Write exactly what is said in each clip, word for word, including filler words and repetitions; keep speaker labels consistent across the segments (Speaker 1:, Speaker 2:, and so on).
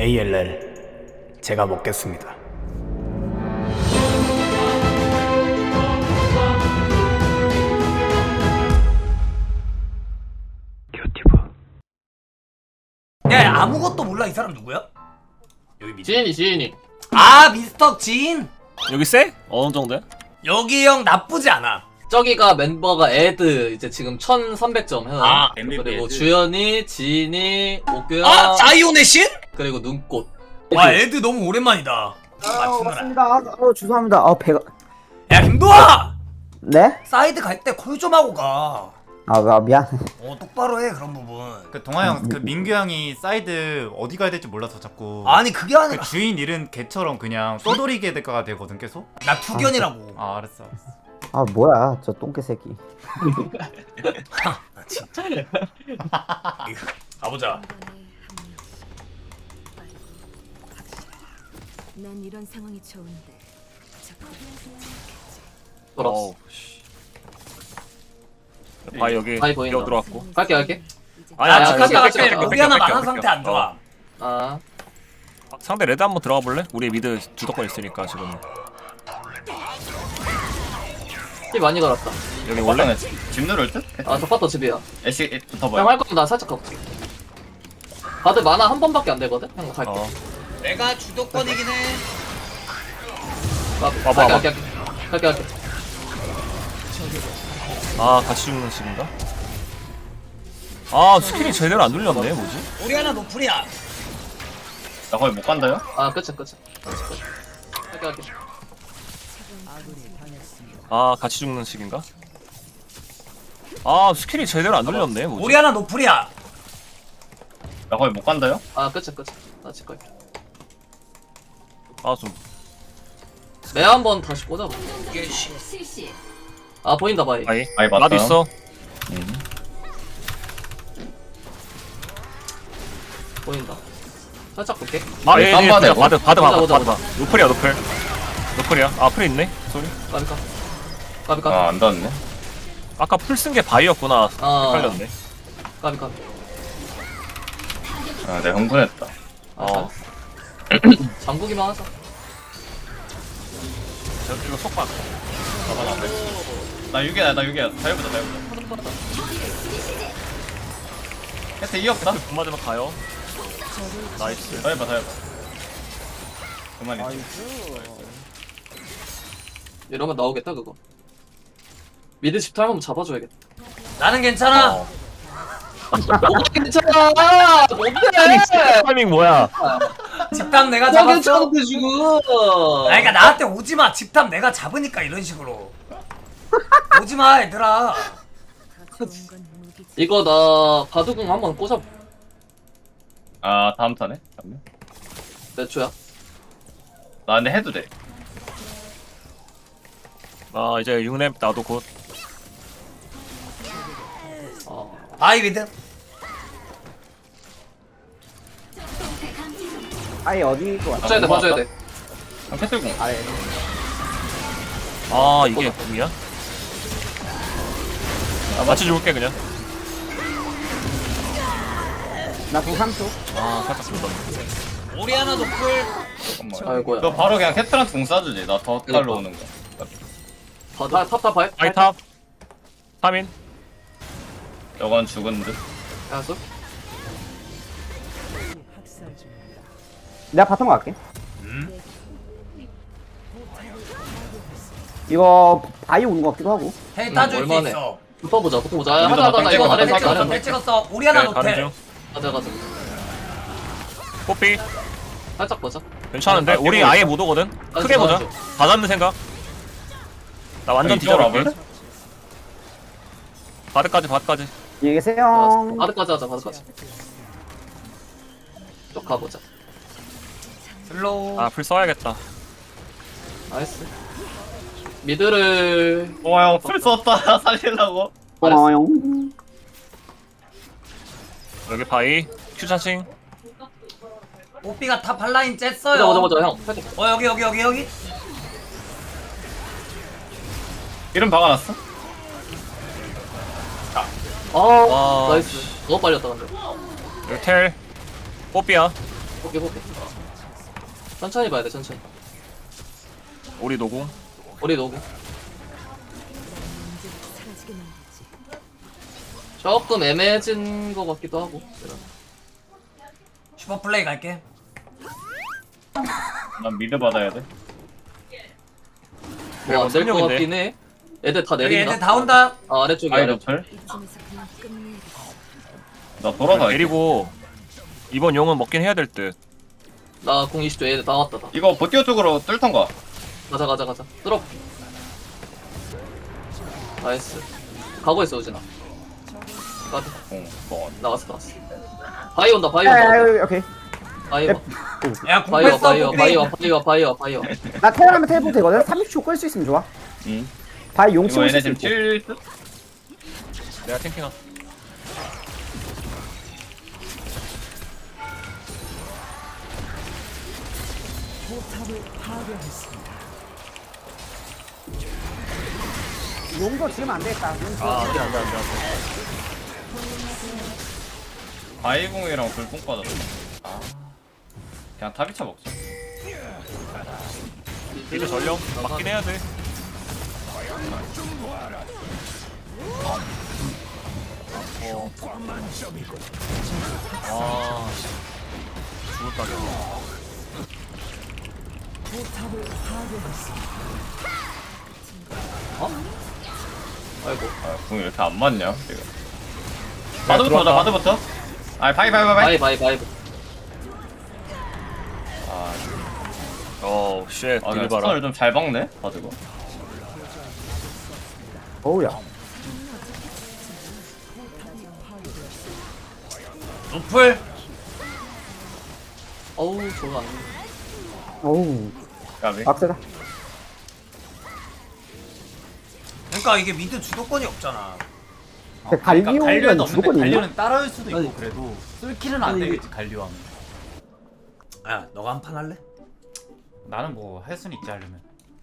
Speaker 1: 에이엘엘 제가 먹겠습니다. 야, 아무것도 몰라. 이 사람 누구야? 여기 밑에.
Speaker 2: 지인이 지인이
Speaker 1: 아, 미스터 진.
Speaker 3: 여기 세? 어느 정도야?
Speaker 1: 여기 형 나쁘지 않아.
Speaker 2: 저기가 멤버가 애드 이제 지금 천삼백 점 해놔.
Speaker 1: 아,
Speaker 2: 그리고 주연이, 지인이, 오규야,
Speaker 1: 아, 자이온의 신?
Speaker 2: 그리고 눈꽃.
Speaker 1: 와, 애드 너무 오랜만이다.
Speaker 4: 아,
Speaker 1: 맞추느라.
Speaker 4: 맞습니다. 어, 죄송합니다. 어, 배가.
Speaker 1: 야, 김도아!
Speaker 4: 네?
Speaker 1: 사이드 갈 때 콜 좀 하고 가.
Speaker 4: 아, 아, 미안.
Speaker 1: 어, 똑바로 해, 그런 부분.
Speaker 5: 그 동아 형, 그 민규 형이 사이드 어디 가야 될지 몰라서 자꾸
Speaker 1: 아니, 그게 아니라.
Speaker 5: 그 주인 잃은 개처럼 그냥 떠돌이게 될까 되거든 계속.
Speaker 1: 나 투견이라고.
Speaker 5: 아 알았어 알았어.
Speaker 4: 아, 뭐야, 저 똥개 새끼.
Speaker 1: 나 진짜. 가보자.
Speaker 6: 난 이런 상황이 좋은데 자꾸
Speaker 2: 돌았어.
Speaker 3: 어우, 씨. 바이 여기
Speaker 2: 바이 보인다.
Speaker 3: 여기 들어왔고.
Speaker 2: 갈게 갈게.
Speaker 3: 아니
Speaker 1: 아,
Speaker 3: 아니
Speaker 2: 아,
Speaker 1: 지금
Speaker 2: 깎여,
Speaker 3: 깎여,
Speaker 2: 깎여,
Speaker 3: 깎여,
Speaker 1: 우리 하나
Speaker 3: 깎여,
Speaker 1: 만화
Speaker 3: 깎여.
Speaker 1: 상태 안 좋아.
Speaker 3: 어.
Speaker 2: 아
Speaker 3: 아, 상대 레드 한번 들어가 볼래? 우리 미드 주도권 있으니까 지금.
Speaker 2: 피 많이 걸었다.
Speaker 3: 여기 원래
Speaker 7: 집 누를 듯?
Speaker 2: 아 저파터 집이야.
Speaker 7: 애쉬
Speaker 2: 형
Speaker 7: 붙어봐요.
Speaker 2: 할 거면 나 살짝 가볼게. 다들 만화 한 번밖에 안 되거든. 형 갈게.
Speaker 3: 어.
Speaker 1: 내가 주도권이긴 해.
Speaker 2: 가-
Speaker 3: 와봐,
Speaker 2: 갈게
Speaker 3: 와봐.
Speaker 2: 갈게 갈게 갈게.
Speaker 3: 아, 같이 죽는 식인가? 아, 스킬이 제대로 안 눌렸네. 뭐지?
Speaker 1: 우리 하나 노플이야.
Speaker 7: 나 거의 못 간다요?
Speaker 2: 아 끝이 끝이. 갈게 갈게.
Speaker 3: 아, 같이 죽는 식인가? 아, 스킬이 제대로 안 눌렸네. 뭐지?
Speaker 1: 우리 하나 노플이야.
Speaker 7: 나 거의 못 간다요?
Speaker 2: 아 끝이 끝이. 나집 갈게.
Speaker 3: 아, 좀
Speaker 2: 매 한번 다시 꽂아봐.
Speaker 6: 실시
Speaker 2: 아 보인다 바이.
Speaker 3: 바이.
Speaker 7: 아이, 맞다.
Speaker 3: 나도 있어.
Speaker 2: 보인다. 살짝 볼게.
Speaker 3: 아,
Speaker 7: 네,
Speaker 3: 예,
Speaker 7: 딴
Speaker 3: 예,
Speaker 7: 바다
Speaker 3: 예,
Speaker 7: 이거?
Speaker 3: 바드, 바드, 바드,
Speaker 2: 보자,
Speaker 3: 바드,
Speaker 2: 보자.
Speaker 3: 바드. 노플이야, 노플. 노플이야. 아, 풀 있네. 소리.
Speaker 2: 까비까. 까비까.
Speaker 7: 아, 안 닿았네.
Speaker 3: 아까 풀 쓴 게 바이였구나.
Speaker 2: 아.
Speaker 3: 헷갈렸네.
Speaker 2: 까비까.
Speaker 7: 아, 내가 흥분했다.
Speaker 3: 어.
Speaker 2: 잠그기만 하자.
Speaker 3: 저, 이거 속박.
Speaker 7: 나 육 이야, 나 육 이야. 다 해보자, 다 해보자. 해태 이 없다?
Speaker 3: 돈 맞으면 가요. 나이스.
Speaker 7: 다 해봐, 다 해봐. 그만 있지.
Speaker 2: 이러면 나오겠다 그거. 미드 집탈 한번 잡아줘야겠다.
Speaker 1: 나는 괜찮아.
Speaker 3: 어.
Speaker 2: 뭐가 괜찮아! 뭔데?
Speaker 3: 타이밍 뭐야?
Speaker 1: 집탐 내가
Speaker 2: 뭐가
Speaker 1: 잡았어.
Speaker 2: 괜찮은데 지금?
Speaker 1: 아, 그러니까 나한테 오지 마. 집탐 내가 잡으니까 이런 식으로. 오지 마, 얘들아.
Speaker 6: 좋은 건 무기지.
Speaker 2: 이거 나 바둑궁 한번 꽂아.
Speaker 7: 아, 다음 턴에? 잠깐만.
Speaker 2: 몇 초야?
Speaker 7: 나 근데 해도 돼.
Speaker 3: 아, 이제 육 렙 나도 곧.
Speaker 2: 어.
Speaker 1: 바이 미드.
Speaker 4: 아이, 어디로 왔어?
Speaker 2: 봐줘야 돼, 봐줘야 돼.
Speaker 7: 아, 캐틀공.
Speaker 4: 아래.
Speaker 3: 아, 이게 궁이야? 아, 맞춰 줄게 그냥.
Speaker 4: 나 구삼 초.
Speaker 3: 아, 살짝 불렀네.
Speaker 1: 우리 하나 노플.
Speaker 7: 잠깐만.
Speaker 2: 아이고야.
Speaker 7: 너 바로 그냥 캐틀한테 공 쏴주지. 나 더 달러 오는 거.
Speaker 2: 바, 탑, 탑, 바,
Speaker 3: 바이 탑. 삼 인.
Speaker 7: 저건 죽은 듯.
Speaker 2: 알았어?
Speaker 4: 내가 바텀 갈게.
Speaker 1: 음?
Speaker 4: 이거 바이 오는 것 같기도 하고.
Speaker 1: 헤이 따줄 수
Speaker 2: 얼마네.
Speaker 1: 있어.
Speaker 2: 붙어보자, 붙어보자. 아,
Speaker 7: 우리도
Speaker 2: 하자, 하자,
Speaker 7: 나
Speaker 2: 이거 아래
Speaker 7: 땡겨봐,
Speaker 2: 살짝,
Speaker 1: 텔
Speaker 2: 아래
Speaker 1: 찍었어, 텔
Speaker 2: 살짝.
Speaker 1: 찍었어. 우리 하나
Speaker 3: 네, 가는
Speaker 1: 노텔.
Speaker 3: 중.
Speaker 2: 가자, 가자.
Speaker 3: 뽀삐.
Speaker 2: 살짝 보자.
Speaker 3: 괜찮은데?
Speaker 7: 아,
Speaker 3: 우리
Speaker 7: 이거-
Speaker 3: 아예 못 오거든?
Speaker 2: 아,
Speaker 3: 크게 보자.
Speaker 2: 좋아,
Speaker 3: 다 잡는 생각. 나 완전
Speaker 7: 이쪽으로
Speaker 3: 뒤져볼게.
Speaker 7: 와볼래?
Speaker 3: 바드까지, 바드까지.
Speaker 4: 안녕히 계세요.
Speaker 2: 바드까지 하자, 바드까지. 쭉 가보자.
Speaker 1: 슬로우.
Speaker 3: 아, 풀 써야겠다.
Speaker 2: 나이스. 미드를
Speaker 7: 동아 형, 풀 썼다. 살리려고.
Speaker 4: 고마워요.
Speaker 3: 여기 바이. 큐 차칭.
Speaker 1: 뽀삐가 탑 한라인
Speaker 2: 보자,
Speaker 1: 쬐어요.
Speaker 2: 보자, 보자, 형. 살짝.
Speaker 1: 어, 여기, 여기, 여기, 여기.
Speaker 7: 이름 박아놨어?
Speaker 2: 아,
Speaker 3: 와,
Speaker 2: 나이스. 너무 빨렸다, 근데.
Speaker 3: 여기 텔. 뽀삐야.
Speaker 2: 볼게 볼게. 어. 천천히 봐야 돼 천천히.
Speaker 3: 우리 노공.
Speaker 2: 우리 노고.
Speaker 6: 문제가 사라지게 만들지.
Speaker 2: 조금 애매해진 거 같기도 하고.
Speaker 1: 슈퍼 플레이 갈게.
Speaker 7: 난 미드 받아야 돼.
Speaker 2: 뭐 안 될 거
Speaker 3: 선영인데?
Speaker 2: 같긴 해. 애들 다
Speaker 1: 여기
Speaker 2: 내린다.
Speaker 1: 애들 다 온다.
Speaker 2: 아, 아래쪽에
Speaker 7: 아이
Speaker 2: 아래.
Speaker 7: 노플.
Speaker 6: 이쯤에서 그냥 끝내야겠어.
Speaker 7: 나 돌아가.
Speaker 3: 데리고 이번 용은 먹긴 해야 될 듯.
Speaker 2: 나공 이십 초 애들 다 왔다 다.
Speaker 7: 이거 보티오 쪽으로 뚫던가.
Speaker 2: 가자 가자 가자. 뚫어. 나이스. 가고 있어 우진아. 가자.
Speaker 7: 어, 뭐.
Speaker 2: 나왔어 나왔어. 바이 온다 바이
Speaker 4: 야, 야,
Speaker 2: 온다.
Speaker 4: 야, 오케이.
Speaker 2: 바이
Speaker 4: 야,
Speaker 2: 와.
Speaker 1: 야
Speaker 2: 바이 와
Speaker 1: 공패 써
Speaker 2: 바이 와
Speaker 1: 복비.
Speaker 2: 바이 와 바이 와 바이 와 바이 와.
Speaker 4: 나 테라면 텔포 되거든. 삼십 초 끌 수 있으면 좋아.
Speaker 7: 응.
Speaker 4: 바이 용
Speaker 7: 이거
Speaker 4: 치고
Speaker 7: 얘네
Speaker 4: 있을
Speaker 7: 지금
Speaker 4: 수 있고.
Speaker 7: 칠 듯?
Speaker 3: 내가 탱킹한.
Speaker 4: 용도 지으면 안 되겠다. 용 지으면
Speaker 3: 아 안돼 안돼 안돼.
Speaker 7: 바이공이랑 불뽕 빠졌어. 아. 그냥 타비차 먹자.
Speaker 3: 미드 전령 맞긴 해야 돼. 어. 아 죽을 각이야.
Speaker 2: 아이고.
Speaker 7: 아, 궁이 왜 이렇게 안 맞냐, 지금. 바드부터 하자, 바드부터. 아, 바이, 바이, 바이, 바이.
Speaker 2: 바이 바이 바이.
Speaker 7: 아,
Speaker 3: 어우 쉣
Speaker 7: 아,
Speaker 3: 딜
Speaker 7: 나
Speaker 3: 봐라.
Speaker 7: 스턴을 좀 잘 박네, 바드가.
Speaker 4: 어우야.
Speaker 1: 노플.
Speaker 2: 어우 저거 안.
Speaker 4: 어우.
Speaker 7: 까비.
Speaker 4: 빡세다.
Speaker 1: 그러니까 이게 미드 주도권이 없잖아.
Speaker 4: 근데 갈리오는
Speaker 5: 갈리오는 없는데
Speaker 4: 주도권이 있나?
Speaker 5: 갈리오는 따라올 수도 있고
Speaker 2: 아니.
Speaker 5: 그래도 쓸킬은 안
Speaker 2: 아니,
Speaker 5: 되겠지 갈리오 하면.
Speaker 1: 야 너가 한 판 할래?
Speaker 5: 나는 뭐 할 수는 있지 하려면.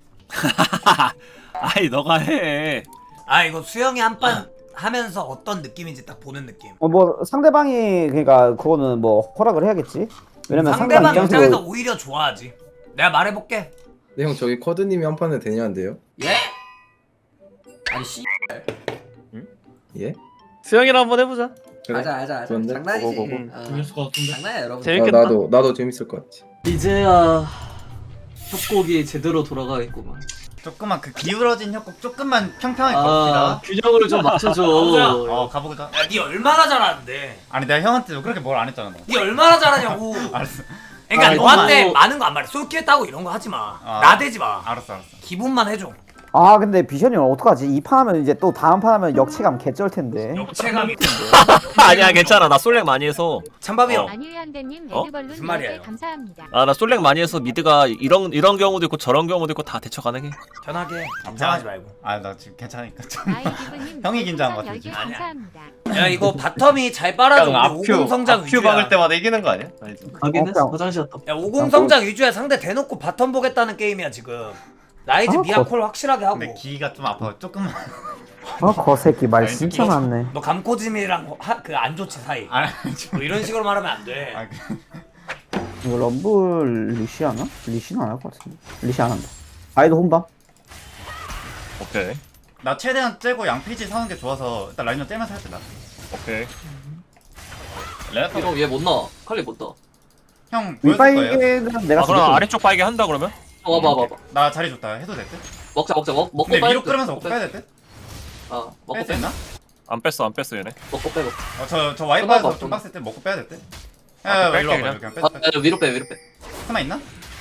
Speaker 3: 아이 너가 해.
Speaker 1: 아 이거 수영이 한 판 하면서 어떤 느낌인지 딱 보는 느낌.
Speaker 4: 어, 뭐 상대방이 그러니까 그거는 뭐 허락을 해야겠지. 왜냐면
Speaker 1: 상대방
Speaker 4: 상대방
Speaker 1: 입장에서
Speaker 4: 입장에서
Speaker 1: 오히려 좋아하지. 내가 말해볼게.
Speaker 8: 네, 형 저기 커드님이 한 판에 되냐는데요?
Speaker 1: 예? 아니 씨.
Speaker 8: 예?
Speaker 9: 수영이랑 한번 해보자.
Speaker 8: 그래?
Speaker 10: 알자 알자 알자
Speaker 8: 좋은데?
Speaker 10: 장난이지
Speaker 8: 고고고고.
Speaker 10: 아,
Speaker 2: 재밌을 것 같은데.
Speaker 10: 장난이야 여러분
Speaker 8: 아,
Speaker 9: 재밌겠다.
Speaker 8: 나도 나도 재밌을 것 같지.
Speaker 2: 이제야 협곡이 제대로 돌아가겠구만.
Speaker 5: 조금만 그 기울어진 협곡 조금만 평평하게
Speaker 2: 아
Speaker 5: 가봅시다.
Speaker 2: 균형을 좀 맞춰줘.
Speaker 5: 어 가보자.
Speaker 1: 야니 얼마나 잘하는데?
Speaker 5: 아니 내가 형한테 그렇게 뭘 안 했잖아 너.
Speaker 1: 니 얼마나 잘하냐고.
Speaker 5: 알았어.
Speaker 1: 그러니까
Speaker 2: 아,
Speaker 1: 너한테
Speaker 2: 이거-
Speaker 1: 많은 거 안 말해. 쏠키했다고 이런 거 하지 마.
Speaker 5: 아.
Speaker 1: 나대지 마.
Speaker 5: 알았어 알았어.
Speaker 1: 기분만 해줘.
Speaker 4: 아 근데 비션이 어떡하지? 이 판 하면 이제 또 다음 판 하면 역체감 개쩔 텐데.
Speaker 1: 역체감이.
Speaker 3: 아니야 괜찮아 나 솔랭 많이 해서.
Speaker 1: 찬밥이 형.
Speaker 6: 안유희 한대님
Speaker 3: 어?
Speaker 6: 레드벌룬
Speaker 1: 무슨 말이야,
Speaker 6: 열 개
Speaker 1: 이거?
Speaker 6: 감사합니다.
Speaker 3: 아 나 솔랭 많이 해서 미드가 이런 이런 경우도 있고 저런 경우도 있고 다 대처 가능해.
Speaker 1: 편하게. 긴장하지 말고.
Speaker 5: 아나 지금 괜찮으니까 좀.
Speaker 6: 아이디브님
Speaker 5: 형이 긴장한 것 같아,
Speaker 6: 열 개
Speaker 5: 지금.
Speaker 1: 아니야.
Speaker 6: 감사합니다.
Speaker 1: 야 이거 바텀이 잘 빨아줘.
Speaker 7: 그냥
Speaker 1: 우리
Speaker 7: 앞큐,
Speaker 1: 오공 성장
Speaker 7: 앞큐
Speaker 1: 위주야.
Speaker 7: 박을 때마다 이기는 거 아니야? 아니지.
Speaker 2: 가긴
Speaker 4: 어,
Speaker 2: 했어.
Speaker 4: 그냥-
Speaker 2: 화장실 갔다.
Speaker 1: 야 오공 성장 위주야. 상대 대놓고 바텀 보겠다는 게임이야 지금. 라이즈
Speaker 4: 아,
Speaker 1: 미아콜 확실하게 하고.
Speaker 5: 근데 기가 좀 아파. 조금만.
Speaker 4: 어 거새끼 말
Speaker 5: 아니,
Speaker 4: 진짜
Speaker 1: 이거-
Speaker 4: 많네.
Speaker 1: 너 감코짐이랑 그 안 좋지 사이.
Speaker 5: 아,
Speaker 1: 뭐 이런 식으로 말하면 안 돼.
Speaker 5: 아, 그-
Speaker 4: 이거 럼블 리시 하나? 리시는 안 할 것 같은데. 리시 안 한다. 아이도 혼밥.
Speaker 3: 오케이
Speaker 5: 나 최대한 째고 양피지 사는 게 좋아서 일단 라인전 째면서 할게 나.
Speaker 3: 오케이.
Speaker 7: 레나타
Speaker 2: 이거 얘 못 나와. 칼리 못 나와.
Speaker 5: 형 보여줄 거예요?
Speaker 4: 윗바이게는 내가
Speaker 3: 아 그럼
Speaker 4: 죽였거든.
Speaker 3: 아래쪽 바이게 한다 그러면?
Speaker 2: 어, 와봐 와봐.
Speaker 5: 나 자리 좋다. 해도 될 듯?
Speaker 2: 먹자 먹자 먹 먹고
Speaker 5: 근데
Speaker 2: 빼야
Speaker 5: 위로
Speaker 2: 될 듯.
Speaker 5: 끌으면서 먹고 빼야 될 듯?
Speaker 2: 아 먹고
Speaker 5: 뺄수
Speaker 2: 빼.
Speaker 5: 있나?
Speaker 3: 안 뺐어 안 뺐어 얘네.
Speaker 2: 먹고 빼 먹고.
Speaker 5: 어, 저, 저
Speaker 2: 끝나고
Speaker 5: 와이파이에서 좀
Speaker 2: 없구나.
Speaker 5: 빡셀 때 먹고 빼야 될 듯?
Speaker 3: 아,
Speaker 5: 야, 야,
Speaker 3: 뺄게,
Speaker 5: 일로 와봐.
Speaker 3: 그냥.
Speaker 5: 그냥 빼.
Speaker 2: 아
Speaker 5: 빼.
Speaker 2: 야, 위로 빼 위로 빼.
Speaker 5: 하나 있나?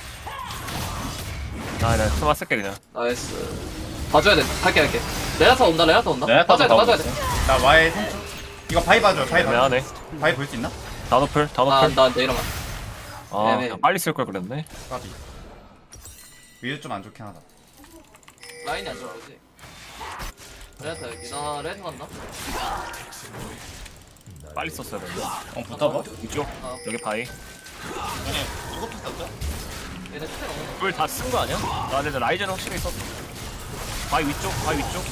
Speaker 3: 아나 스마 쓸게 그냥.
Speaker 2: 나이스. 봐줘야 돼. 할게 할게. 레나타 온다 레나타 온다.
Speaker 7: 레나타
Speaker 2: 봐줘야 돼 봐줘야 돼.
Speaker 5: 나 와이 삼 초. 이거 바이 봐줘. 바이 봐줘.
Speaker 3: 애매하네.
Speaker 5: 바이 볼 수 있나?
Speaker 3: 다노플 다노플.
Speaker 2: 아나 내일어나.
Speaker 3: 아
Speaker 2: 애매해.
Speaker 3: 그냥 빨리 쓸 걸 그랬네.
Speaker 5: 까비. 위도 좀 안 좋긴 하다.
Speaker 2: 라인이 안 좋아지. 레나타 여기. 나 레나타 간다.
Speaker 3: 빨리 썼어야 돼.
Speaker 7: 어, 붙어봐.
Speaker 3: 이쪽
Speaker 2: 아.
Speaker 3: 여기 바이.
Speaker 7: 이것도 썼죠?
Speaker 2: 얘네 스택 없는
Speaker 3: 불 다 쓴 거 아니야? 아 근데 라이젠 확실히 썼어. 바이 위쪽 바이 위쪽.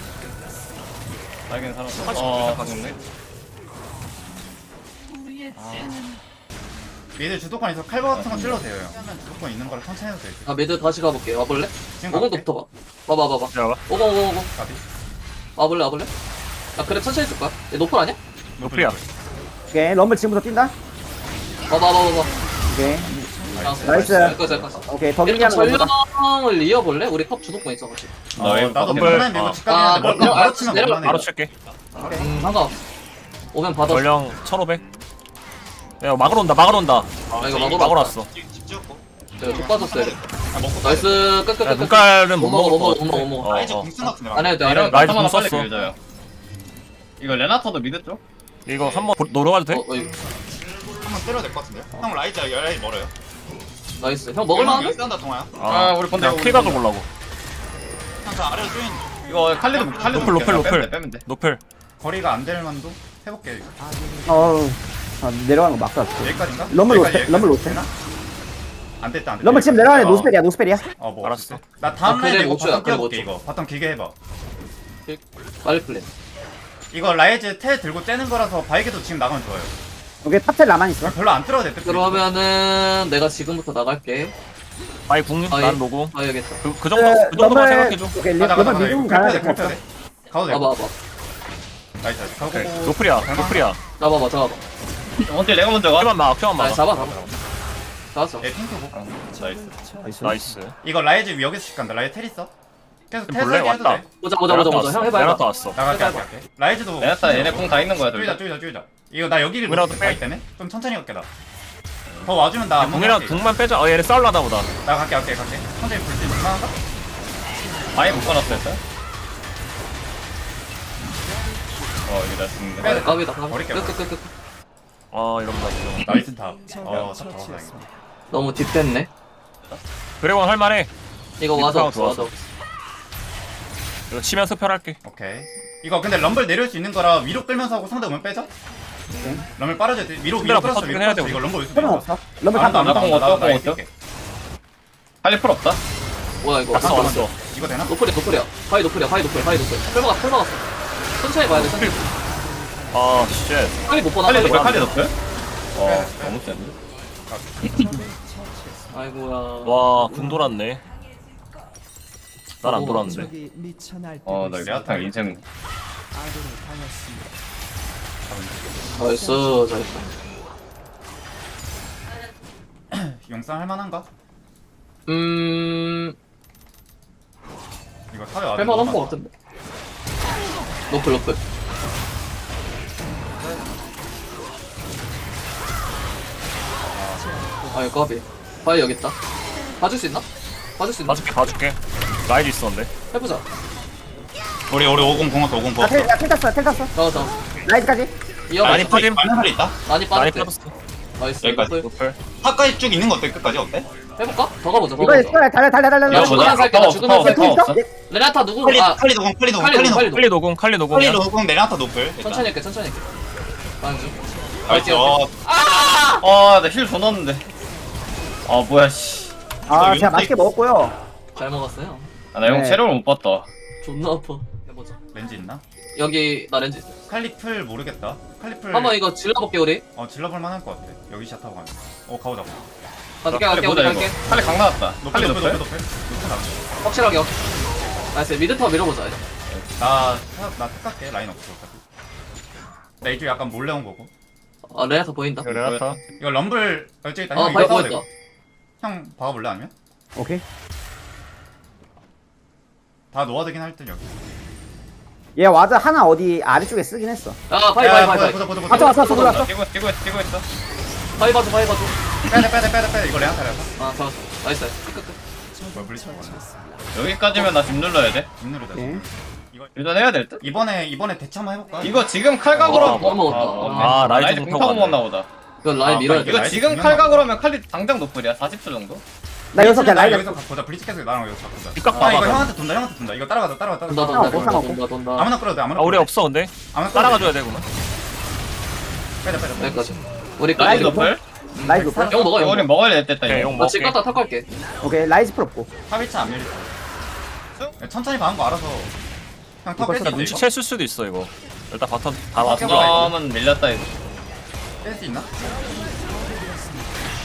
Speaker 7: 알긴 살았어.
Speaker 3: 사실
Speaker 7: 어,
Speaker 3: 가겠네.
Speaker 5: 미드 주도권 있어 칼바 같은 거 찔러도 돼요 형. 하면 주도권 있는 거라 천천히 해도 돼.
Speaker 2: 아 미드 다시 가볼게. 와볼래?
Speaker 5: 지금 가볼게.
Speaker 2: 오공도 붙어봐. 와봐 와봐.
Speaker 3: 들어가.
Speaker 2: 오공 오공 오공.
Speaker 5: 가비.
Speaker 2: 와볼래 와볼래? 야 그래 천천히 쓸 거야. 얘 노플 아니야?
Speaker 3: 노플이야.
Speaker 4: 오케이 럼블 지금부터 뛴다.
Speaker 2: 와봐 와봐 와봐.
Speaker 4: 오케이
Speaker 2: 나이스.
Speaker 4: 나이스.
Speaker 2: 여기까지 여기까지.
Speaker 4: 오케이 더 길게
Speaker 2: 일단
Speaker 4: 하는 거보다.
Speaker 2: 전령을 이어볼래? 우리 컵 주도권 있어가지고.
Speaker 5: 어,
Speaker 7: 너
Speaker 5: 나도
Speaker 3: 럼블.
Speaker 5: 괜찮은데 이거
Speaker 3: 어.
Speaker 5: 집 가긴
Speaker 2: 아,
Speaker 5: 하는데
Speaker 2: 그럼
Speaker 5: 바로 치면
Speaker 2: 내려가.
Speaker 5: 못하네.
Speaker 3: 바로 칠게.
Speaker 2: 음 상관없어. 오면 받아.
Speaker 3: 전령 천오백. 야 막으러 온다 막으러 온다.
Speaker 2: 아 이거 막으러
Speaker 3: 막으러
Speaker 2: 왔다.
Speaker 3: 왔어.
Speaker 2: 내가 쭉 빠졌어 이거.
Speaker 5: 아, 먹고
Speaker 2: 나이스
Speaker 3: 야
Speaker 2: 끝끝끝.
Speaker 3: 눈깔은 못
Speaker 2: 못 먹어
Speaker 3: 먹을
Speaker 2: 못
Speaker 3: 것
Speaker 2: 먹어
Speaker 3: 같아.
Speaker 2: 못 먹어 못 먹어.
Speaker 3: 어,
Speaker 5: 라이즈
Speaker 3: 어.
Speaker 5: 궁 쓴것 같은데.
Speaker 2: 안 해도 돼 안
Speaker 7: 이런
Speaker 2: 해도 돼.
Speaker 3: 라이즈
Speaker 7: 바텀 하나
Speaker 3: 공
Speaker 7: 빨리
Speaker 3: 썼어.
Speaker 7: 밀어줘요. 이거 레나타도 미드 쪽?
Speaker 3: 이거 한번 노려가도 돼?
Speaker 2: 어, 어, 이거.
Speaker 5: 한번 때려야 될 것 같은데. 형 라이즈 열라이 멀어요.
Speaker 2: 나이스. 형 먹을 만한데?
Speaker 5: 싼다 동아야.
Speaker 7: 아, 우리 건데,
Speaker 3: 그냥
Speaker 7: 우리
Speaker 3: 킬각을
Speaker 7: 건데.
Speaker 3: 보려고.
Speaker 5: 형저 아래로 쪼인
Speaker 7: 이거 칼리도 칼리도
Speaker 3: 노플, 노플,
Speaker 7: 볼게요.
Speaker 3: 노플.
Speaker 7: 빼면 돼, 빼면 돼.
Speaker 3: 노플.
Speaker 5: 거리가 안 될 만도 해볼게. 이거.
Speaker 4: 어우 아, 내려가는 거 막다.
Speaker 5: 여기까지인가?
Speaker 4: 럼블
Speaker 5: 여기까지,
Speaker 4: 로테, 럼블 로테.
Speaker 5: 되나? 안 됐다 안 됐다.
Speaker 4: 럼블 지금 내려가네.
Speaker 5: 어.
Speaker 4: 노스펠이야 노스펠이야.
Speaker 5: 어, 뭐
Speaker 3: 알았어.
Speaker 5: 알았어. 나 다음
Speaker 2: 아,
Speaker 5: 라인에
Speaker 2: 그래,
Speaker 5: 이거
Speaker 2: 못 줘요,
Speaker 5: 바텀
Speaker 2: 그래,
Speaker 5: 뛰어볼게
Speaker 2: 못
Speaker 5: 이거. 바텀 길게 해봐.
Speaker 2: 빨리 플랜.
Speaker 5: 이거 라이즈 텔 들고 째는 거라서 바이게도 지금 나가면 좋아요.
Speaker 4: 오케이 탑텔 나만 있어.
Speaker 5: 별로 안 틀어도 돼.
Speaker 2: 그러면은 내가 지금부터 나갈게.
Speaker 3: 아이 궁,
Speaker 2: 아이.
Speaker 3: 난 노궁.
Speaker 2: 가야겠다.
Speaker 3: 그, 그 정도, 그 정도만 생각해줘.
Speaker 4: 오케이
Speaker 5: 가자 가자
Speaker 4: 럼블
Speaker 5: 가자.
Speaker 4: 미국
Speaker 5: 이거
Speaker 4: 가야
Speaker 5: 돼.
Speaker 4: 될것
Speaker 5: 돼.
Speaker 4: 같아.
Speaker 5: 가도 돼.
Speaker 2: 와봐 와봐.
Speaker 5: 나이스 나이스. 가고.
Speaker 3: 오케이. 노플이야, 노플이야.
Speaker 2: 잡아봐 잡아봐.
Speaker 7: 원딜 내가 먼저 가.
Speaker 3: 큐만 막, 큐만
Speaker 2: 아
Speaker 3: 막.
Speaker 2: 잡아 잡아. 잡았어.
Speaker 5: 얘 핑크고.
Speaker 7: 나이스.
Speaker 4: 나이스.
Speaker 3: 나이스.
Speaker 5: 이거 라이즈 여기서 씩 간다. 라이즈 텔 있어? 계속 텔
Speaker 3: 볼래?
Speaker 5: 살게 해도
Speaker 3: 왔다.
Speaker 5: 돼.
Speaker 2: 보자 보자 보자 보자. 형 해봐
Speaker 3: 내가
Speaker 2: 해봐.
Speaker 3: 또 왔어.
Speaker 5: 나갈게
Speaker 2: 해봐,
Speaker 5: 나갈게. 라이즈도.
Speaker 7: 레나타 얘네 공 다 있는 거야, 둘
Speaker 5: 쪼이자
Speaker 7: 다.
Speaker 5: 쪼이자 쪼이자. 이거 나 여기를
Speaker 3: 위라도
Speaker 5: 놓고
Speaker 3: 빼.
Speaker 5: 바이 때문에 좀 천천히 갈게 나. 더 와주면 나.
Speaker 3: 궁이랑 궁만 빼자. 어, 얘네 싸울라나 보다.
Speaker 5: 나 갈게 갈게 갈게. 천천히 볼수 있는 만한가?
Speaker 7: 아예 못 꺼놨어, 일단. 어, 이게 나 죽는데.
Speaker 5: 빼야 돼.
Speaker 2: 까비다 까비.
Speaker 5: 버릴게,
Speaker 2: 끝끝끝.
Speaker 3: 아, 이러면 나 지금.
Speaker 5: 나이스 탑. 어, 탑 잡았다 이거.
Speaker 2: 너무 딥됐네.
Speaker 3: 그래원 할만해.
Speaker 2: 이거
Speaker 3: 딥
Speaker 2: 와서
Speaker 3: 상황
Speaker 2: 없어 와서
Speaker 3: 좋았어.
Speaker 2: 없어.
Speaker 3: 이거 치면서 펼할게.
Speaker 5: 오케이. 이거 근데 럼블 내릴 수 있는 거라 위로 끌면서 하고 상대 오면 빼자. 럼블 빨아줘야 돼. 위로 위로
Speaker 3: 상대랑
Speaker 5: 끌었어.
Speaker 3: 붙어주긴
Speaker 5: 위로
Speaker 3: 해야
Speaker 5: 끌었어.
Speaker 3: 돼,
Speaker 5: 이거 럼블 올수
Speaker 4: 필요는
Speaker 5: 있어.
Speaker 4: 없어. 럼블
Speaker 5: 아무도
Speaker 4: 간다.
Speaker 5: 안 나가.
Speaker 7: 나도
Speaker 5: 나도 나
Speaker 7: 어떠?
Speaker 5: 이길게.
Speaker 7: 칼리 풀 없다?
Speaker 2: 뭐야 이거.
Speaker 3: 왔어, 왔어.
Speaker 5: 이거 되나?
Speaker 2: 노플이야 노플이야. 파이 노플이야 파이 노플 파이 노플. 풀 막았어 풀 막았어. 천천히 봐야 돼 천천히.
Speaker 3: 아, 쉣.
Speaker 2: 빨리 못 보나
Speaker 7: 칼리
Speaker 2: 빨리.
Speaker 7: 높여, 칼리 높여? 어, 너무 센데.
Speaker 2: 아이고야.
Speaker 3: 와, 궁 돌았네. 난 안 돌았는데.
Speaker 7: 어, 나 레나타 인생.
Speaker 2: 나이스 잘했다.
Speaker 5: 용상 할만한가?
Speaker 2: 음.
Speaker 5: 이거 탑에 와줘.
Speaker 2: 할만한 거 같은데. 노플 노플. 아이 까비. 파이 여기 있다. 봐줄 수 있나? 봐줄 수 있나?
Speaker 3: 봐줄게, 봐줄게. 라이즈 있었는데.
Speaker 2: 해보자.
Speaker 5: 우리 우리 오공 공었어 오공
Speaker 4: 나
Speaker 5: 공었어.
Speaker 4: 텔, 나텔 탔어 텔 탔어.
Speaker 2: 잡아 잡아.
Speaker 4: 라이즈까지.
Speaker 2: 이어봐.
Speaker 3: 많이 빠짐.
Speaker 5: 많은 살이 있다.
Speaker 2: 많이
Speaker 3: 많이
Speaker 2: 빠졌대.
Speaker 3: 빠졌어.
Speaker 2: 나이스.
Speaker 5: 여기까지.
Speaker 2: 노플.
Speaker 3: 노플.
Speaker 5: 탑까지 쭉 있는 거 어때? 끝까지 어때?
Speaker 2: 해볼까? 더 가보자. 더
Speaker 4: 이거
Speaker 2: 가보자.
Speaker 4: 달려 달려 달려 달려
Speaker 2: 야,
Speaker 4: 달려.
Speaker 2: 죽으면 살게. 나 죽으면
Speaker 7: 파워
Speaker 2: 살게.
Speaker 7: 없어, 파워 없어.
Speaker 2: 레나타 누구?
Speaker 5: 칼리
Speaker 2: 아
Speaker 5: 칼리 노공 칼리 노공
Speaker 2: 칼리
Speaker 5: 칼리
Speaker 2: 노공,
Speaker 5: 노공
Speaker 3: 칼리 노공, 칼리
Speaker 5: 칼리
Speaker 3: 노공이야.
Speaker 5: 노공 내나타 노플. 일단.
Speaker 2: 천천히 할게 천천히 할게. 가는 중.
Speaker 5: 나이스.
Speaker 7: 아, 나 힐 더 넣었는데. 아, 뭐야, 씨.
Speaker 4: 아
Speaker 5: 이거
Speaker 4: 제가 맛있게 먹었고요.
Speaker 2: 잘 먹었어요.
Speaker 7: 아, 나 형
Speaker 4: 네.
Speaker 7: 체력을 못 봤다.
Speaker 2: 존나 아파. 해보자.
Speaker 5: 렌즈 있나?
Speaker 2: 여기 나 렌즈 있어.
Speaker 5: 칼리플 모르겠다. 칼리플.
Speaker 2: 한번 이거 질러볼게 우리.
Speaker 5: 어 질러볼 만할 것 같아. 여기 샷 타고 가면. 어 가보자.
Speaker 2: 갈게
Speaker 7: 칼리
Speaker 2: 갈게 우리
Speaker 7: 보자, 이거.
Speaker 2: 갈게.
Speaker 7: 칼리 강 나왔다.
Speaker 5: 높여
Speaker 7: 칼리
Speaker 5: 높여
Speaker 7: 높여?
Speaker 5: 높여 높여. 높여 나가.
Speaker 2: 확실하게. 확- 나이스 미드타워 밀어보자.
Speaker 5: 나나 탁갈게 라인 없어. 어차피. 나 이쪽 약간 몰래 온 거고.
Speaker 2: 아 레나타 보인다.
Speaker 3: 레나타.
Speaker 5: 이거 럼블 어째 있다.
Speaker 2: 어
Speaker 5: 형
Speaker 2: 바이
Speaker 5: 이거
Speaker 2: 보였다.
Speaker 5: 싸워. 형 봐볼래 아니면?
Speaker 4: 오케이.
Speaker 5: 다 놓아되긴 할 듯 여기.
Speaker 4: 얘 와드 하나 어디 아래쪽에 쓰긴 했어.
Speaker 2: 아 바이
Speaker 5: 야,
Speaker 2: 바이
Speaker 5: 야,
Speaker 2: 바이
Speaker 5: 보자
Speaker 2: 바이.
Speaker 5: 보자 보자 보자.
Speaker 4: 왔어 왔어 왔어 들어왔어.
Speaker 7: 뛰고 있어, 뛰고 있어, 뛰고 있어.
Speaker 2: 바이 봐줘 바이 봐줘.
Speaker 5: 빼야 빼야 빼야 빼야 이거 레나타라서.
Speaker 2: 아 좋았어. 나이스 나이스. 끝, 끝.
Speaker 5: 뭐 블리츠 먹어.
Speaker 7: 여기까지면 나 집 눌러야 돼.
Speaker 5: 눈누르다.
Speaker 4: 오케이.
Speaker 7: 일단 해야 될 듯?
Speaker 5: 이번에 이번에 대처 한번 해볼까?
Speaker 7: 이거 지금 칼각으로.
Speaker 2: 아, 못 먹었다.
Speaker 3: 아,
Speaker 7: 아,
Speaker 3: 라이즈
Speaker 7: 라이즈
Speaker 3: 공
Speaker 7: 공
Speaker 3: 타고
Speaker 7: 타고 먹었나 보다.
Speaker 2: 이거 라인
Speaker 5: 아,
Speaker 2: 밀어야
Speaker 5: 이거
Speaker 2: 돼.
Speaker 7: 이거
Speaker 5: 라이즈
Speaker 7: 지금
Speaker 5: 공략
Speaker 7: 칼각으로 하면 칼리 당장 노플이야. 사십 초 정도?
Speaker 4: 나 여기서 그냥 라이즈.
Speaker 5: 여기서 보자 블리츠 계속 나랑 여기서 바꾸자.
Speaker 3: 뒷각
Speaker 5: 아 이거
Speaker 3: 봐봐.
Speaker 5: 형한테 돈다 형한테 돈다. 이거 따라가자 따라가
Speaker 2: 돈다
Speaker 5: 따라가.
Speaker 2: 돈다
Speaker 4: 아,
Speaker 2: 돈다 돈다 돈다.
Speaker 5: 아무나 끌어도 돼 아무나.
Speaker 3: 아, 우리
Speaker 5: 끌어도 돼.
Speaker 3: 없어, 근데.
Speaker 5: 아무나 끌어도 돼.
Speaker 3: 따라가줘야 되구나.
Speaker 5: 빼자 빼자. 빼자.
Speaker 2: 여기까지. 우리
Speaker 7: 라이즈
Speaker 2: 끝.
Speaker 7: 노플?
Speaker 4: 라이즈 높아.
Speaker 2: 용 먹어 용
Speaker 7: 이거는
Speaker 2: 먹어.
Speaker 7: 먹어야 됐다,
Speaker 3: 오케이,
Speaker 7: 이거.
Speaker 3: 용
Speaker 2: 나집
Speaker 3: 먹을게.
Speaker 2: 갔다 탁 갈게.
Speaker 4: 오케이 라이즈 풀 없고.
Speaker 5: 탑일차 안 밀릴 거야. 천천히 가는 거 알아서. 형 탑 뺄수 있어
Speaker 3: 눈치
Speaker 5: 이거?
Speaker 3: 챘을 수도 있어, 이거. 일단 바텀 다
Speaker 7: 아,
Speaker 3: 왔어.
Speaker 7: 점은 밀렸다, 이거.
Speaker 5: 뺄수 있나?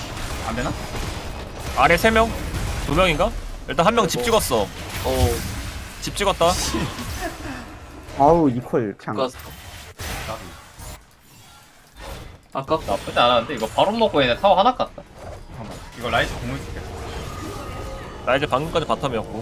Speaker 5: 안 되나?
Speaker 3: 아래 세 명? 두 명인가? 일단 한 명 집 찍었어.
Speaker 2: 어
Speaker 3: 집 찍었다.
Speaker 4: 아우 이퀄 그냥
Speaker 2: 아까 아깝다.
Speaker 7: 나쁘지 않았는데 이거 바로 먹고 얘네 타워 하나 깠다.
Speaker 5: 잠깐만. 이거 라이즈 공을 줄게.
Speaker 3: 나 이제 방금까지 바텀이었고.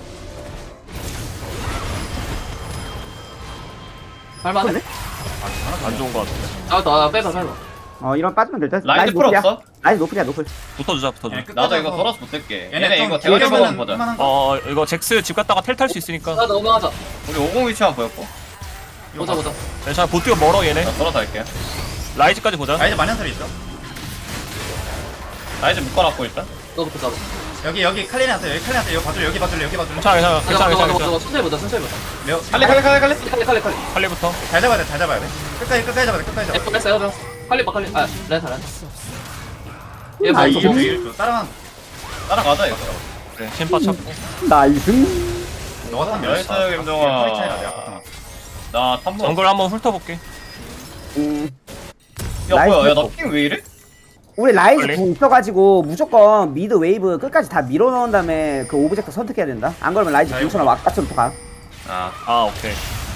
Speaker 2: 할만해?
Speaker 3: 안 좋은 거 같은데.
Speaker 2: 아나 빼봐 빼봐.
Speaker 4: 어 이런 빠지면 될듯
Speaker 7: 라이즈 풀 없어?
Speaker 4: 라이즈 노플이야 노플
Speaker 3: 붙어주자 붙어주자.
Speaker 5: 얘네 끝까지
Speaker 7: 나도 이거
Speaker 5: 가서
Speaker 7: 돌아서 못 뜰게.
Speaker 5: 얘네
Speaker 7: 얘네
Speaker 5: 좀
Speaker 7: 이거 대가리
Speaker 5: 길게
Speaker 7: 먹으면
Speaker 5: 하면은
Speaker 7: 보자.
Speaker 5: 할만한 거.
Speaker 3: 어 이거 잭스 집 갔다가 텔 탈 수 있으니까.
Speaker 2: 나 넘어가자.
Speaker 7: 우리 오공 위치만 보였고.
Speaker 2: 보자 보자.
Speaker 3: 괜찮아 보트가 멀어 얘네.
Speaker 7: 나 돌아서 할게.
Speaker 3: 라이즈까지 보자.
Speaker 5: 라이즈 만년설이 있어.
Speaker 7: 라이즈 묶어놨고 일단.
Speaker 2: 너부터 잡아.
Speaker 5: 여기 여기 칼리나한테 여기 칼리나한테 여기 봐줄래 여기 봐줄래 여기 봐줄래.
Speaker 3: 괜찮아 괜찮아 괜찮아
Speaker 2: 가자
Speaker 3: 괜찮아.
Speaker 2: 가자
Speaker 3: 괜찮아.
Speaker 2: 가자. 천천히 보자 천천히 보자.
Speaker 5: 레오
Speaker 7: 칼리 칼리 칼리 칼리.
Speaker 2: 칼리 칼리 칼리.
Speaker 3: 칼리부터.
Speaker 5: 잘 잡아야 돼잘 잡아야 돼. 끝까지 끝까지 잡아야 돼 끝까지 잡아야 돼.
Speaker 2: 에프 했어요 형. 칼리 봐 칼리. 아 렌타 렌타. 얘
Speaker 4: 아,
Speaker 2: 뭐
Speaker 4: 이게
Speaker 2: 있어?
Speaker 5: 일 따라만.
Speaker 7: 따라가자 이거.
Speaker 3: 그래 챔파 찾고.
Speaker 4: 나이스
Speaker 5: 너가 타면
Speaker 7: 나이스,
Speaker 5: 몇
Speaker 7: 김동아.
Speaker 5: 허리 차이나 내가 봤던 거.
Speaker 7: 나 탐구.
Speaker 3: 정글 한번 훑어볼게.
Speaker 4: 음,
Speaker 7: 야 뭐야?
Speaker 4: 라이즈
Speaker 7: 야나핑 왜 이래?
Speaker 4: 우리 라이즈
Speaker 3: 빨리.
Speaker 4: 궁 있어가지고 무조건 미드 웨이브 끝까지 다 밀어넣은 다음에 그 오브젝트 선택해야 된다 안 그러면 라이즈 궁처럼 왁가처럼 또 가.
Speaker 7: 아.
Speaker 3: 아 오케이.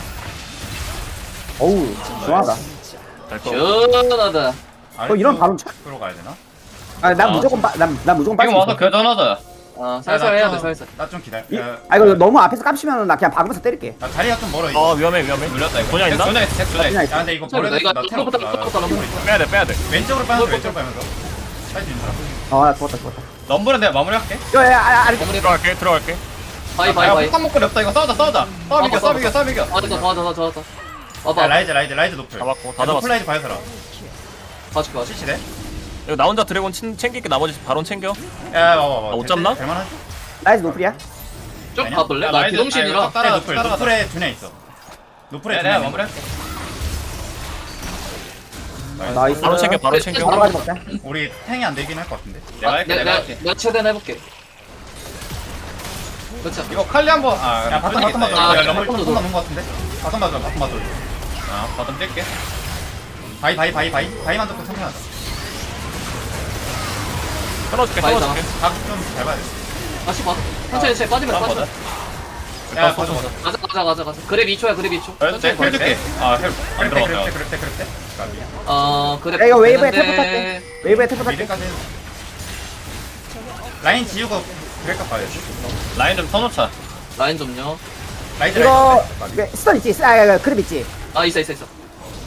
Speaker 4: 어우 시원하다
Speaker 3: 될거.
Speaker 2: 시원하다.
Speaker 4: 어, 이런 바로 쳐?
Speaker 5: 으로 가야 되나?
Speaker 4: 아난
Speaker 7: 아,
Speaker 4: 무조건 빠, 난, 난 무조건
Speaker 7: 지금
Speaker 4: 빠지고
Speaker 7: 와서 교전하자.
Speaker 2: 아 살살 해야 돼 살살.
Speaker 5: 나좀 기다려.
Speaker 4: 이-
Speaker 5: 야,
Speaker 4: 아 이거 너무 앞에서 깝치면 나 그냥 박으면서 때릴게
Speaker 5: 나 다리가 좀 멀어
Speaker 3: 아
Speaker 5: 이거.
Speaker 3: 위험해 위험해.
Speaker 7: 눌렸다 이거.
Speaker 3: 도냐 있나?
Speaker 7: 도냐 있어. 도냐
Speaker 4: 그냥
Speaker 7: 있어.
Speaker 4: 있어.
Speaker 5: 야 근데 이거
Speaker 2: sorry,
Speaker 5: 버려야
Speaker 2: 나 이거
Speaker 5: 나 태워.
Speaker 2: 뚜껑부터 뚜껑부터 넘어.
Speaker 3: 빼야 돼 빼야 돼.
Speaker 5: 왼쪽으로 빠면서 왼쪽으로 빠면서. 사이즈 인사.
Speaker 4: 아 죽었다 죽었다
Speaker 7: 럼블은 내가 마무리할게.
Speaker 4: 야야 아, 아니
Speaker 3: 들어갈게 들어갈게.
Speaker 2: 바이 바이
Speaker 7: 야
Speaker 2: 바이.
Speaker 7: 폭탄 먹고 렵다 이거 싸우자 싸우자. 싸움 이겨 싸움 이겨 싸움 이겨.
Speaker 2: 아 됐다 좋아 좋아 좋아 좋아.
Speaker 5: 야
Speaker 2: 와봐.
Speaker 5: 라이즈 라이즈 라이즈 노플.
Speaker 3: 잡았고 다
Speaker 5: 야,
Speaker 3: 잡았어.
Speaker 5: 노플 라이즈 봐서라.
Speaker 2: 봐줄게 봐줄게.
Speaker 5: 실시대.
Speaker 3: 이거 나 혼자 드래곤 친, 챙길게 나머지 바론 챙겨.
Speaker 5: 야 와봐 와봐.
Speaker 3: 아, 못 잡나?
Speaker 5: 될만하지?
Speaker 4: 라이즈 노플이야
Speaker 2: 쭉
Speaker 5: 아니야.
Speaker 2: 가볼래?
Speaker 7: 야,
Speaker 2: 나
Speaker 7: 라이즈-
Speaker 2: 비동신이라.
Speaker 7: 아, 이거 따라-
Speaker 5: 노플
Speaker 7: 따라가자.
Speaker 5: 노플에 두뇌 있어. 노플에
Speaker 7: 내가
Speaker 5: 두뇌.
Speaker 7: 내가 마무리할게.
Speaker 4: 나이스
Speaker 3: 바로 챙겨 바로 챙겨.
Speaker 4: 바로 가지 먹자
Speaker 5: 우리 탱이 안 되긴 할 것 같은데.
Speaker 7: 내가
Speaker 2: 아,
Speaker 7: 할게
Speaker 2: 내가
Speaker 7: 내가
Speaker 2: 내가
Speaker 7: 할게.
Speaker 2: 내가 최대한 해볼게. 그렇지.
Speaker 7: 이거 칼리 한번 아
Speaker 5: 야 바텀 바텀 봐줘.
Speaker 2: 아,
Speaker 5: 야 럼블
Speaker 2: 바텀
Speaker 5: 바텀
Speaker 2: 봐줘.
Speaker 5: 넘은 것 같은데. 바텀 봐줘 바텀 봐줘.
Speaker 7: 아 바텀 뛸게.
Speaker 5: 바이 바이 바이 바이 바이만 듣고 천천하자.
Speaker 3: 끊어줄게
Speaker 2: 많이
Speaker 3: 끊어줄게.
Speaker 5: 각좀잘 봐야 돼.
Speaker 2: 다시 봐. 천천히 천천히 빠지면
Speaker 7: 다음
Speaker 2: 빠지면.
Speaker 7: 보자.
Speaker 5: 야 봐줘 봐줘.
Speaker 2: 가자 가자 가자 가자. 그랩 이 초야 그랩 이 초.
Speaker 7: 내
Speaker 2: 천천히
Speaker 7: 힐
Speaker 2: 봐.
Speaker 7: 줄게. 아힐안
Speaker 5: 그랬대 그랬대
Speaker 7: 들어갔다.
Speaker 5: 그랬대 그랬대.
Speaker 2: 어 그랩.
Speaker 4: 야, 이거 웨이브에
Speaker 2: 되는데-
Speaker 4: 템포 탈게 웨이브에 템포 탈게
Speaker 5: 미드까지. 라인 지우고 그럴까 봐야지.
Speaker 7: 라인 좀 터놓자.
Speaker 2: 라인 좀요.
Speaker 5: 라이즈
Speaker 4: 이거
Speaker 5: 라이즈.
Speaker 4: 왜, 스턴 있지? 아, 아, 아 그립 있지?
Speaker 2: 아 있어 있어 있어.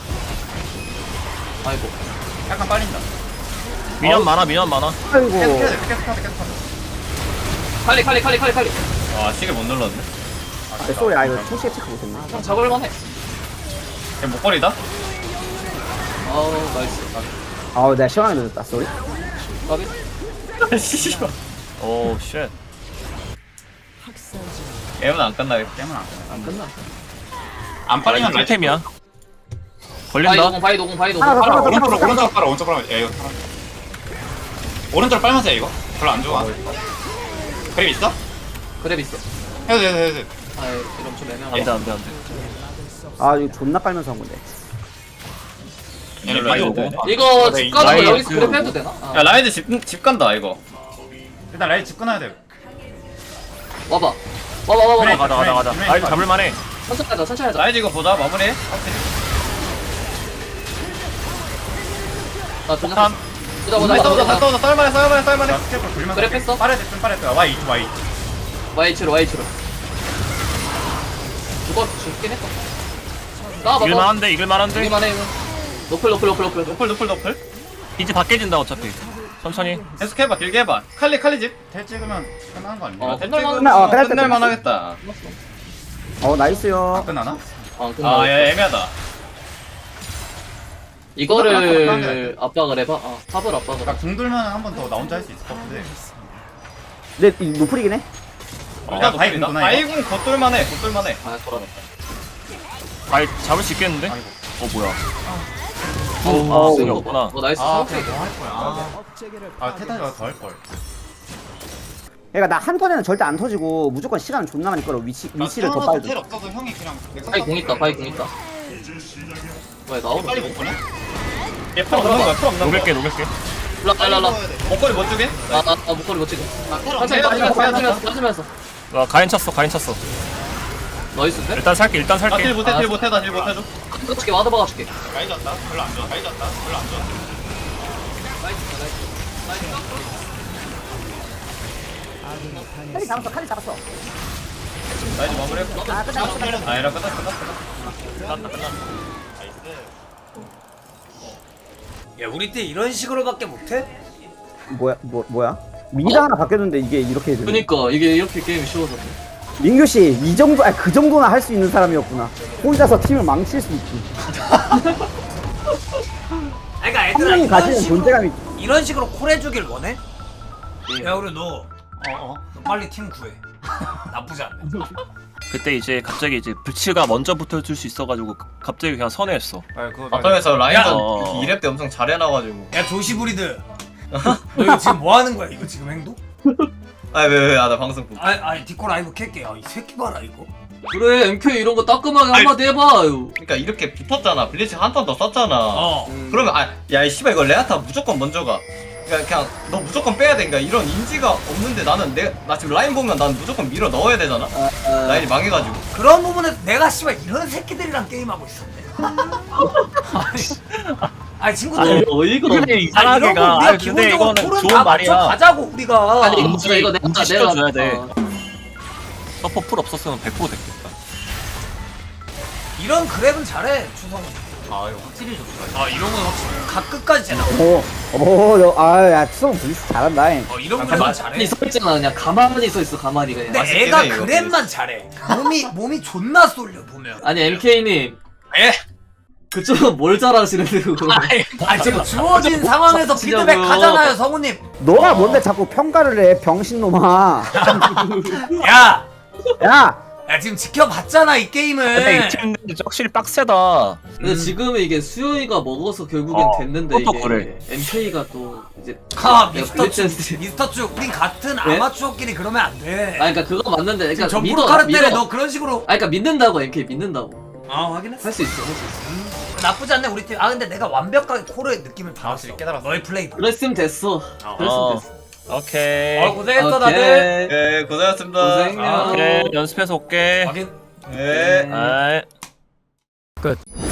Speaker 2: 아이고.
Speaker 5: 약간 빨린다.
Speaker 3: 미년 많아 미년 많아.
Speaker 4: 아이고
Speaker 5: 계속 해야 돼 계속 하자 계속 하자.
Speaker 2: 칼리 칼리 칼리 칼리 칼리.
Speaker 7: 아 시계 못 눌렀네.
Speaker 4: 아, 쏘리 아 이거 초시에 체크 못했네
Speaker 2: 형 잡을만해.
Speaker 7: 걔 목걸이다.
Speaker 2: 아우 나이스.
Speaker 4: 아우 내가 시원하게 늦었다 쏘리
Speaker 2: 까비.
Speaker 7: 씨발.
Speaker 3: 오 쉣.
Speaker 7: 게임은 안 끝나겠다.
Speaker 5: 게임은 안 끝나.
Speaker 2: 안 끝나.
Speaker 5: 안 빨리면 라이즈.
Speaker 3: 템이야.
Speaker 2: 바이
Speaker 3: 걸린다.
Speaker 2: 노공 바이 노공 바이 노공.
Speaker 4: 하나 더
Speaker 2: 팔아.
Speaker 4: 하나 더
Speaker 5: 오른쪽으로 오른쪽으로 빨아 오른쪽으로 빨아. 야 이거 팔아. 오른쪽으로 빨면서 해 이거. 별로 안 좋아. 그림 있어?
Speaker 2: 그랩 있어.
Speaker 5: 해도 돼 해도 돼, 해도 돼.
Speaker 2: 아이 이런 좀 애매하다.
Speaker 3: 안돼 안돼 안돼.
Speaker 4: 아 이거 존나 빨면서 한 건데
Speaker 5: 얘네
Speaker 7: 라이즈
Speaker 5: 미드
Speaker 7: 오고.
Speaker 5: 오고.
Speaker 2: 이거 집 가서
Speaker 3: 라이즈
Speaker 2: 여기서 그랩 해도 되나? 아.
Speaker 7: 야 라이즈 집, 집 간다 이거.
Speaker 5: 일단 라이즈 집 끊어야 돼.
Speaker 2: 와봐. 와봐 와봐
Speaker 5: 그래.
Speaker 2: 와봐.
Speaker 3: 가자 가자 가자. 아이 잡을만해.
Speaker 2: 천천히 하자 천천히 하자.
Speaker 7: 라이즈 이거 보자 마무리.
Speaker 2: 나 그냥
Speaker 3: 탐.
Speaker 2: 보자 보자
Speaker 7: 다시 싸우자 다시
Speaker 2: 보자.
Speaker 7: 싸우자 쌀만해 쌀만해 쌀만해.
Speaker 5: 자 스케프 돌리면서.
Speaker 2: 그래, 뺐어?
Speaker 5: 빠르게 좀 빠르게. 와이 와이.
Speaker 2: 와이치로 와이치로. 이거 죽긴 했어. 나와봐.
Speaker 3: 이길만한데 이길만한데.
Speaker 2: 이기만 해. 이거. 노플 노플 노플 노플.
Speaker 7: 노플 노플 노플.
Speaker 3: 이제 밖에 진다 어차피. 천천히.
Speaker 7: 계속 해봐 길게 해봐. 칼리 칼리 집.
Speaker 5: 텔 찍으면 끝나는 거 아니야?
Speaker 2: 어,
Speaker 7: 대
Speaker 2: 끝날만-
Speaker 7: 찍으면
Speaker 4: 어, 끝날 때
Speaker 7: 끝날만
Speaker 4: 끝났어.
Speaker 7: 하겠다.
Speaker 4: 어 나이스요
Speaker 5: 안 끝나나?
Speaker 2: 아 끝나.
Speaker 7: 아야 애매하다.
Speaker 2: 이거를 압박을 해봐. 아 탑을 압박을.
Speaker 5: 나
Speaker 2: 해.
Speaker 5: 궁 돌면 한 번 더 나 혼자 할 수 있을 것 같은데.
Speaker 4: 근데 이 노플이긴 해
Speaker 5: 일단 바이
Speaker 7: 노플이다.
Speaker 5: 궁구나, 이거.
Speaker 7: 바이궁 곧돌만해 곧돌만해.
Speaker 2: 아 돌아갔다.
Speaker 3: 아이 잡을 수 있겠는데?
Speaker 5: 아이고.
Speaker 3: 어 뭐야?
Speaker 2: 어우,
Speaker 3: 아,
Speaker 2: 아,
Speaker 3: 승이
Speaker 2: 이거
Speaker 3: 없구나.
Speaker 2: 어 나이스.
Speaker 5: 아
Speaker 2: 스모크.
Speaker 5: 그냥 뭐할 거야. 아, 아 테타가 더 할 걸.
Speaker 4: 그러니까 나 한 턴에는 절대 안 터지고 무조건 시간은 존나 많이 끌어 위치, 위치를 더 빨리
Speaker 5: 텔
Speaker 4: 줘
Speaker 5: 없어서 형이 그냥.
Speaker 2: 바이 공 있다. 바이 공 있다. 왜 나오는
Speaker 5: 빨리 못 보내?
Speaker 7: 얘풀 없는 거야 풀 없는 거야.
Speaker 3: 녹일게 녹일게.
Speaker 2: 일로 와, 일로 와.
Speaker 7: 목걸이 못 주게?
Speaker 2: 아, 아, 아, 목걸이 못 찍어.
Speaker 8: 테러
Speaker 2: 천천히 빠지면서, 빠지면서, 빠지면서.
Speaker 3: 와 가인 쳤어 가인 쳤어.
Speaker 2: 나이스인데?
Speaker 3: 일단 살게 일단
Speaker 7: 나딜
Speaker 3: 살게.
Speaker 7: 못해 딜 못해 나딜 못해줘.
Speaker 2: 어떻게 와드 박아줄게.
Speaker 5: 라이즈 왔다. 별로 안 좋아. 라이즈 왔다. 별로 안 좋아.
Speaker 4: 칼리 잡았어 칼리 잡았어.
Speaker 7: 나이즈 마무리했고.
Speaker 4: 아 끝났어 끝났어.
Speaker 7: 아 이런 끝났어 끝났어.
Speaker 3: 끝났다 끝났다.
Speaker 1: 야 우리 때 이런 식으로밖에 못해?
Speaker 4: 뭐야 뭐 뭐야? 미드 하나 바뀌었는데 이게 이렇게 되네.
Speaker 2: 그니까, 이게 이렇게 게임이 쉬워졌네.
Speaker 4: 민규 씨 이 정도 아 그 정도나 할 수 있는 사람이었구나. 혼자서 팀을 망칠 수 있지.
Speaker 1: 그러니까
Speaker 4: 한
Speaker 1: 애들아
Speaker 4: 명이
Speaker 1: 이런
Speaker 4: 가지는
Speaker 1: 식으로
Speaker 4: 존재감이.
Speaker 1: 이런 식으로 콜해주길 원해?
Speaker 2: 예.
Speaker 1: 야 우리 너 어어 너 빨리 팀 구해. 나쁘지 않네.
Speaker 3: 그때 이제 갑자기 이제 불치가 먼저 붙어줄 수 있어가지고 갑자기 그냥 선회했어.
Speaker 1: 아 그거
Speaker 7: 바텀에서 라인전
Speaker 3: 어.
Speaker 7: 이 렙 때 엄청 잘해놔가지고.
Speaker 1: 야 조시브리드 너 이거 지금 뭐 하는 거야 이거 지금 행동?
Speaker 7: 아왜왜아나 방송 보고.
Speaker 1: 아니 아니 디코 라이브 켤게. 야이 새끼 봐라 이거.
Speaker 2: 그래, 엠케이 이런 거 따끔하게 한마디 해봐요.
Speaker 7: 그러니까 이렇게 붙었잖아. 블리츠 한 턴 더 썼잖아.
Speaker 1: 어.
Speaker 7: 그러면 아야이 씨발 이거 레아타 무조건 먼저 가. 그러니까 그냥 너 무조건 빼야 돼. 그러니까 이런 인지가 없는데 나는 내 나 지금 라인 보면 난 무조건 밀어 넣어야 되잖아. 라인이 망해가지고.
Speaker 1: 그런 부분에 내가 씨발 이런 새끼들이랑 게임하고 있었네. 아니, 아니 친구들.
Speaker 2: 아니, 어이가 없네.
Speaker 3: 근데
Speaker 1: 아,
Speaker 3: 이상하게
Speaker 1: 이런 거
Speaker 3: 가.
Speaker 1: 우리가
Speaker 3: 아니, 근데
Speaker 1: 기본적으로
Speaker 3: 이거는
Speaker 1: 콜은
Speaker 3: 좋은
Speaker 1: 다
Speaker 3: 말이야.
Speaker 1: 맞춰 가자고 우리가.
Speaker 2: 아니, 이거
Speaker 3: 인지-
Speaker 2: 이거 내가,
Speaker 3: 인지
Speaker 2: 내가.
Speaker 3: 시켜줘야 돼.
Speaker 2: 어.
Speaker 3: 서퍼 풀 없었으면 백 퍼센트 됐겠다.
Speaker 1: 이런 그랩은 잘해 추성훈.
Speaker 5: 아 이거 확실히 좋다.
Speaker 1: 아 이런 건 확실히 각 끝까지 쟤나.
Speaker 4: 오오아야 추성 블리스 잘한다. 잉.
Speaker 1: 어 이런
Speaker 2: 가만히
Speaker 1: 그랩은 잘해.
Speaker 2: 서 있잖아. 그냥 가만히 서 있어, 가만히 그냥.
Speaker 1: 근데
Speaker 7: 맛있긴
Speaker 1: 애가
Speaker 7: 해, 이거.
Speaker 1: 그랩만 잘해. 몸이 몸이 존나 쏠려 보면.
Speaker 2: 아니, 엠케이님.
Speaker 1: 예?
Speaker 2: 그쪽은 뭘 잘하시는데, 그거.
Speaker 1: 아니, 아니 지금 주어진 상황에서
Speaker 2: 진짜로.
Speaker 1: 피드백 하잖아요 성우님.
Speaker 4: 너가 뭔데 자꾸 평가를 해 병신놈아.
Speaker 1: 야,
Speaker 4: 야
Speaker 1: 야 지금 지켜봤잖아 이 게임을.
Speaker 3: 근데 이 팀들 확실히 빡세다.
Speaker 2: 근데 지금은 이게 수요이가 먹어서 결국엔
Speaker 3: 어,
Speaker 2: 됐는데,
Speaker 3: 그것도
Speaker 2: 이게.
Speaker 3: 그래.
Speaker 2: 엠케이가 또, 이제.
Speaker 1: 아
Speaker 2: 내가
Speaker 1: 미스터 쭉
Speaker 2: 블리츠-
Speaker 1: 미스터 쭉 우린 같은
Speaker 2: 네?
Speaker 1: 아마추어끼리 그러면 안 돼.
Speaker 2: 아, 그니까 그거 맞는데. 그러니까
Speaker 1: 지금
Speaker 2: 믿어,
Speaker 1: 점프로 카르 때에
Speaker 2: 믿어.
Speaker 1: 너 그런 식으로.
Speaker 2: 아, 그니까 믿는다고, 엠케이 믿는다고.
Speaker 1: 아 확인했어.
Speaker 2: 할 수 있어, 할 수 있어.
Speaker 1: 나쁘지 않네 우리 팀. 아 근데 내가 완벽하게 코르의 느낌을 받았어.
Speaker 5: 확실히 깨달았어.
Speaker 1: 너의 플레이.
Speaker 2: 그랬으면 됐어. 그랬으면
Speaker 3: 어.
Speaker 2: 됐어.
Speaker 3: 오케이.
Speaker 1: 어 고생했어
Speaker 2: 오케이.
Speaker 1: 다들.
Speaker 7: 예 고생하셨습니다.
Speaker 2: 고생해요.
Speaker 1: 아,
Speaker 3: 오케이 연습해서 올게.
Speaker 1: 확인.
Speaker 7: 예.
Speaker 3: 아이.
Speaker 1: 끝.